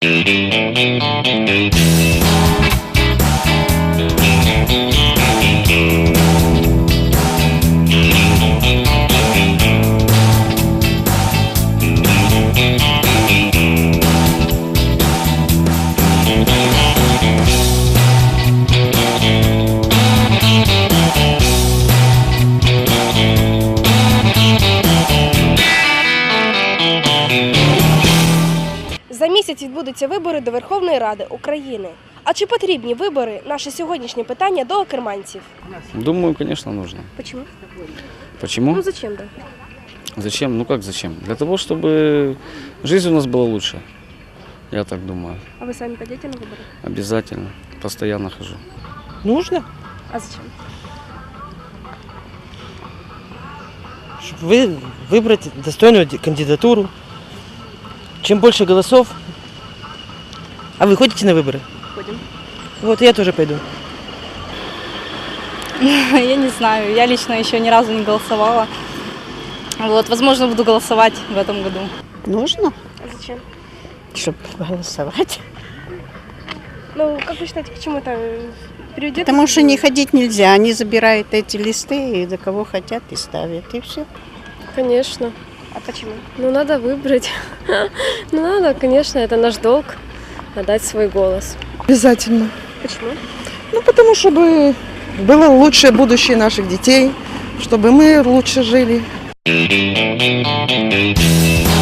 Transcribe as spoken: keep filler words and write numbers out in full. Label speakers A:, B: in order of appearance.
A: За місяць відбудуться вибори до Верховної Ради України. А чи потрібні вибори – наше сьогоднішнє питання до керманців?
B: Думаю, конечно, нужно.
A: Почему?
B: Почему?
A: Ну зачем, да?
B: Зачем? Ну как зачем? Для того, чтобы жизнь у нас была лучше. Я так думаю.
A: А вы сами пойдете на выборы?
B: Обязательно. Постоянно хожу.
C: Нужно,
A: А зачем?
C: чтобы вы, выбрать достойную кандидатуру. Чем больше голосов. А вы ходите на выборы?
A: Ходим.
C: Вот я тоже пойду.
D: Я не знаю, я лично еще ни разу не голосовала. Вот, возможно, буду голосовать в этом году.
E: Нужно,
A: А зачем?
E: чтобы голосовать.
A: Ну, как вы считаете, к чему это приведет?
E: Потому что не ходить нельзя. Они забирают эти листы и до кого хотят и ставят, и все.
F: Конечно.
A: А почему?
F: Ну, надо выбрать. Ну, надо, конечно, это наш долг, отдать свой голос.
G: Обязательно.
A: Почему?
G: Ну, потому чтобы было лучшее будущее наших детей, чтобы мы лучше жили.